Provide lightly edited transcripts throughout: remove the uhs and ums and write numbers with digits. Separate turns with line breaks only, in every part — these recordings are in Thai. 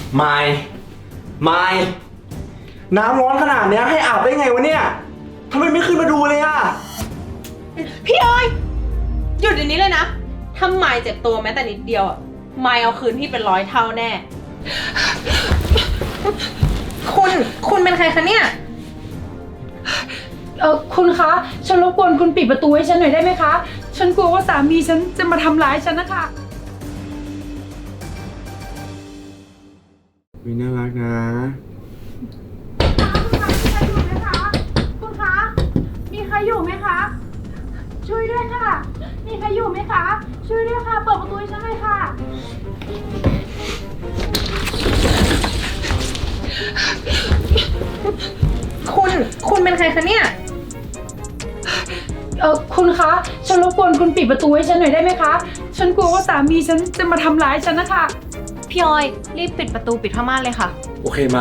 ไม่ไม่น้ำร้อนขนาดเนี้ยให้อาบได้ไงวะเนี่ยทำไมไม่ขึ้นมาดูเลยอะ
พี่ออยหยุดเดี๋ยวนี้เลยนะถ้าไมายเจ็บตัวแม้แต่นิดเดียวอะไมายเอาคืนพี่เป็น100 เท่าแน่ คุณเป็นใครคะเนี่ย
คุณคะ ฉันรบกวนคุณปิดประตูให้ฉันหน่อยได้ไหมคะ ฉันกลัวว่าสามีฉันจะมาทำร้ายฉันนะคะ
วิน่ารักนะ
คุณคะ มีใครอยู่ไหมคะ ช่วยด้วยค่ะ มีใครอยู่ไหมคะ ช่วยด้วยค่ะ เปิดประตูให้ฉันเลยค่ะ
คุณเป็นใครคะเนี่ย
คุณคะ ฉันรบกวนคุณปิดประตูให้ฉันหน่อยได้ไหมคะ ฉันกลัวว่าสามีฉันจะมาทำร้ายฉันนะคะ
พี่ออยรีบปิดประตูปิดผ้าม่านเลยค่ะ
โอเคไม่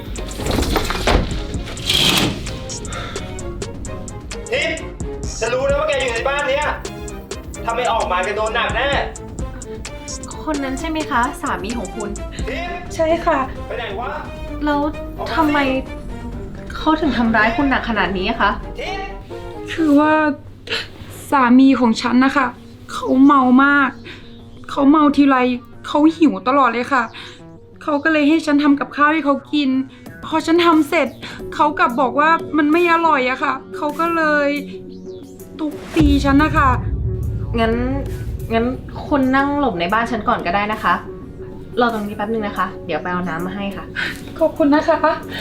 ทิพย์ฉันรู้นะว่าแกอยู่ในบ้านเนี้ยถ้าไม่ออกมาแกโดนหนักแน่
คนนั้นใช่ไหมคะ สามีของคุณ
ทิพย์
ใช่ค่ะ
ไปไหนวะ
แล้วทำไมเขาถึงทำร้ายคุณหนักขนาดนี้อะคะ
ทิพย์
คือว่าสามีของฉันนะคะเขาเมามาก เขาเมาทีไรเขาหิวตลอดเลยค่ะ เขาก็เลยให้ฉันทำกับข้าวให้เขากิน พอฉันทำเสร็จ เขากลับบอกว่ามันไม่อร่อยอะค่ะ เขาก็เลยทุบตีฉันนะคะ
งั้นคุณนั่งหลบในบ้านฉันก่อนก็ได้นะคะ รอตรงนี้แป๊บนึงนะคะ เดี๋ยวไปเอาน้ำมาให้ค่ะ
ขอบคุณนะคะ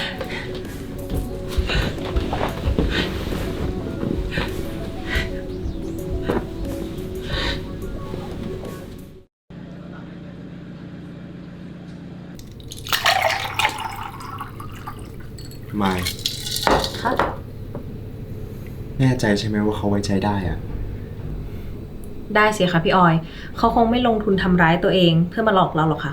ไม่
คะ
แน่ใจใช่ไหมว่าเขาไว้ใจได้อะ
ได้สิคะพี่ออย เขาคงไม่ลงทุนทำร้ายตัวเองเพื่อมาหลอกเราหรอกค่ะ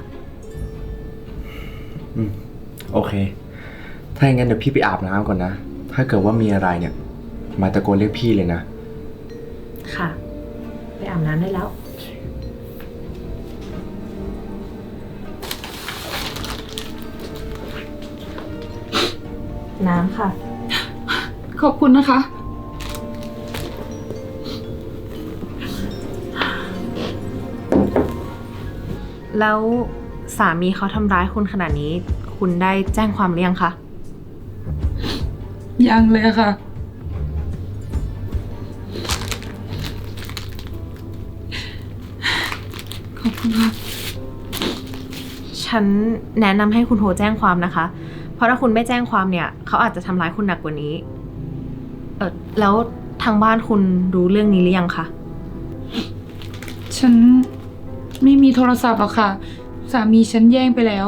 โอเค ถ้าอย่างนั้นเดี๋ยวพี่ไปอาบน้ำก่อนนะ ถ้าเกิดว่ามีอะไรเนี่ย มาตะโกนเรียกพี่เลยนะ
ค่ะ ไปอาบน้ำได้แล้ว น้ำค่ะ
ขอบคุณนะคะ
แล้วสามีเขาทำร้ายคุณขนาดนี้ คุณได้แจ้งความหรือยังคะ
ยังเลยค่ะ ขอบคุณค่ะ
ฉันแนะนำให้คุณโทรแจ้งความนะคะ เพราะถ้าคุณไม่แจ้งความเนี่ย เขาอาจจะทำร้ายคุณหนักกว่านี้ แล้วทางบ้านคุณรู้เรื่องนี้หรือยังคะ
ฉันไม่มีโทรศัพท์หรอกค่ะ สามีฉันแย่งไปแล้ว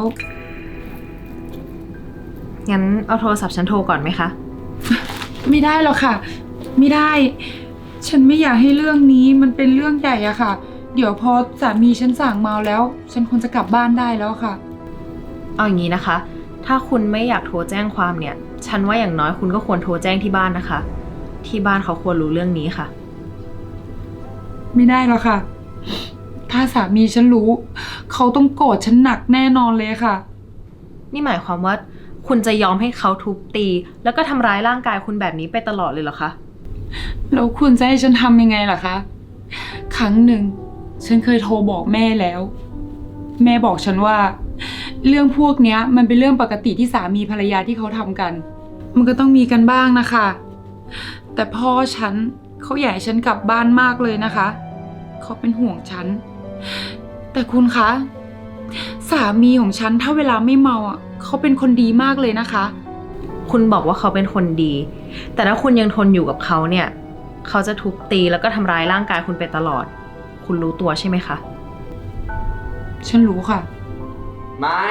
งั้นเอาโทรศัพท์ฉันโทรก่อนไหมคะ
ไม่ได้หรอกค่ะ ไม่ได้ ฉันไม่อยากให้เรื่องนี้มันเป็นเรื่องใหญ่อะค่ะ เดี๋ยวพอสามีฉันสั่งเมาแล้ว ฉันคงจะกลับบ้านได้แล้วค่ะ
เอาอย่างนี้นะคะ ถ้าคุณไม่อยากโทรแจ้งความเนี่ย ฉันว่าอย่างน้อยคุณก็ควรโทรแจ้งที่บ้านนะคะ ที่บ้านเขาควรรู้เรื่องนี้ค่ะ
ไม่ได้หรอกค่ะ ถ้าสามีฉันรู้ เขาต้องโกรธฉันหนักแน่นอนเลยค่ะ
นี่หมายความว่าคุณจะยอมให้เขาทุบตี แล้วก็ทำร้ายร่างกายคุณแบบนี้ไปตลอดเลยเหรอคะ
แล้วคุณจะให้ฉันทำยังไงล่ะคะ ครั้งหนึ่งฉันเคยโทรบอกแม่แล้ว แม่บอกฉันว่า เรื่องพวกเนี้ยมันเป็นเรื่องปกติที่สามีภรรยาที่เขาทำกัน มันก็ต้องมีกันบ้างนะคะ แต่พ่อฉันเขาอยากให้ฉันกลับบ้านมากเลยนะคะ เขาเป็นห่วงฉัน แต่คุณคะ สามีของฉันถ้าเวลาไม่เมาอ่ะเขาเป็นคนดีมากเลยนะคะ
คุณบอกว่าเขาเป็นคนดี แต่ถ้าคุณยังทนอยู่กับเขาเนี่ย เขาจะทุบตีแล้วก็ทำร้ายร่างกายคุณไปตลอด คุณรู้ตัวใช่ไหมคะ
ฉันรู้ค่ะ
ไม่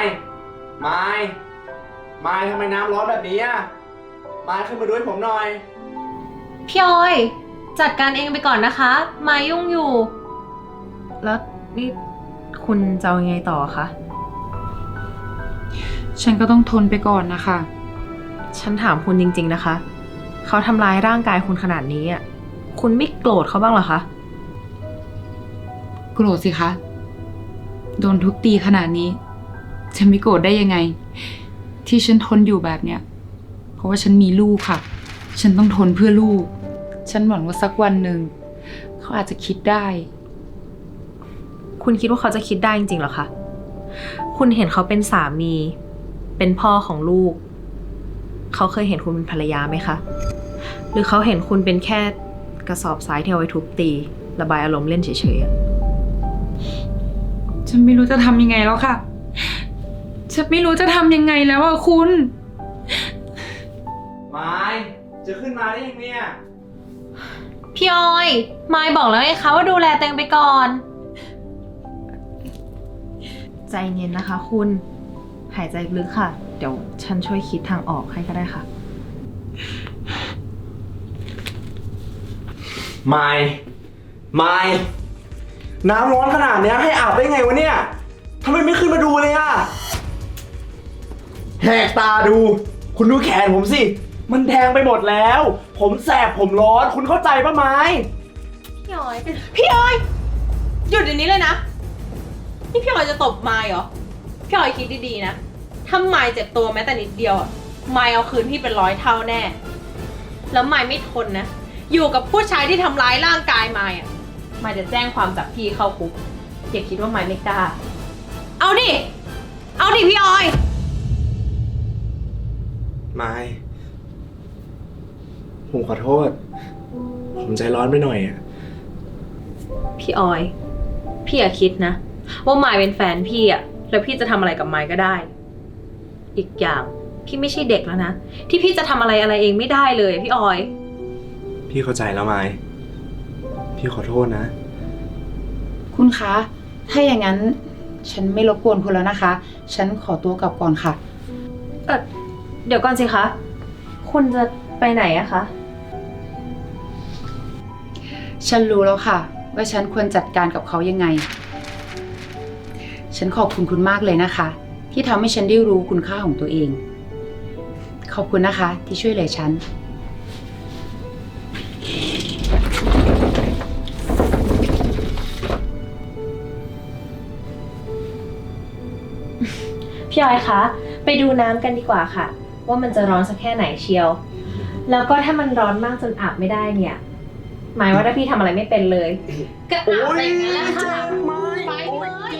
ทำไมน้ำร้อนแบบนี้อ่ะไม่ขึ้นมาด้วยผมหน่อย
พี่ออย จัดการเองไปก่อนนะคะ มายุ่งอยู่ แล้วนี่คุณจะเอายังไงต่อคะ
ฉันก็ต้องทนไปก่อนนะคะ
ฉันถามคุณจริงๆนะคะ เขาทำร้ายร่างกายคุณขนาดนี้อ่ะ คุณไม่โกรธเขาบ้างเหรอคะ
โกรธสิคะ โดนทุบตีขนาดนี้จะไม่โกรธได้ยังไง ที่ฉันทนอยู่แบบเนี้ยเพราะว่าฉันมีลูกค่ะ ฉันต้องทนเพื่อลูก ฉันหวังว่าสักวันหนึ่งเขาอาจจะคิดได้
คุณคิดว่าเขาจะคิดได้จริงๆเหรอคะ คุณเห็นเขาเป็นสามี เป็นพ่อของลูก เขาเคยเห็นคุณเป็นภรรยาไหมคะ หรือเขาเห็นคุณเป็นแค่กระสอบทรายที่เอาไว้ทุบตี ระบายอารมณ์เล่นเฉยๆอะ
ฉันไม่รู้จะทำยังไงแล้วค่ะ ฉันไม่รู้จะทำยังไงแล้วอะคุณ
ไม้จะขึ้นมาได้ยังเนี่ย
พี่ออย มายบอกแล้วไงคะว่าดูแลตัวเองไปก่อน ใจเย็นนะคะคุณ หายใจลึกค่ะ เดี๋ยวฉันช่วยคิดทางออกให้ก็ได้ค่ะ
ไม่น้ำร้อนขนาดเนี้ยให้อาบได้ไงวะเนี่ยทำไมไม่ขึ้นมาดูเลยอะแหกตาดู คุณดูแขนผมสิ มันแดงไปหมดแล้ว ผมแสบผมร้อน คุณเข้าใจปะไม้
พี่ออย พี่ออย หยุดเดี๋ยวนี้เลยนะ นี่พี่ออยจะตบมายเหรอ พี่ออยคิดดีๆนะ ถ้ามายเจ็บตัวแม้แต่นิดเดียวอะมายเอาคืนพี่เป็น100 เท่าแน่ แล้วมายไม่ทนนะ อยู่กับผู้ชายที่ทำร้ายร่างกายมายอะมายจะแจ้งความจับพี่เข้าคุกอย่าคิดว่ามายไม่กล้า เอาดิ เอาดิพี่ออย
ไม่ผมขอโทษ ผมใจร้อนไปหน่อยอะ
พี่ออย พี่อย่าคิดนะ ว่ามายเป็นแฟนพี่อะแล้วพี่จะทำอะไรกับมายก็ได้ อีกอย่างพี่ไม่ใช่เด็กแล้วนะ ที่พี่จะทำอะไรเองไม่ได้เลยพี่ออย
พี่เข้าใจแล้วไม้พี่ขอโทษนะ
คุณคะ ถ้าอย่างนั้นฉันไม่รบกวนคุณแล้วนะคะ ฉันขอตัวกลับก่อนค่ะ
เดี๋ยวก่อนสิคะ คุณจะไปไหนอะคะ
ฉันรู้แล้วค่ะ ว่าฉันควรจัดการกับเขายังไง ฉันขอบคุณคุณมากเลยนะคะ ที่ทำให้ฉันได้รู้คุณค่าของตัวเอง ขอบคุณนะคะที่ช่วยเหลือฉัน
พี่ออยคะ ไปดูน้ำกันดีกว่าค่ะ ว่ามันจะร้อนสักแค่ไหนเชียว แล้วก็ถ้ามันร้อนมากจนอาบไม่ได้เนี่ย หมายว่าถ้าพี่ทำอะไรไม่เป็นเลย ก็อาบไปอย่างนั้นแหละค่ะ ไปเลย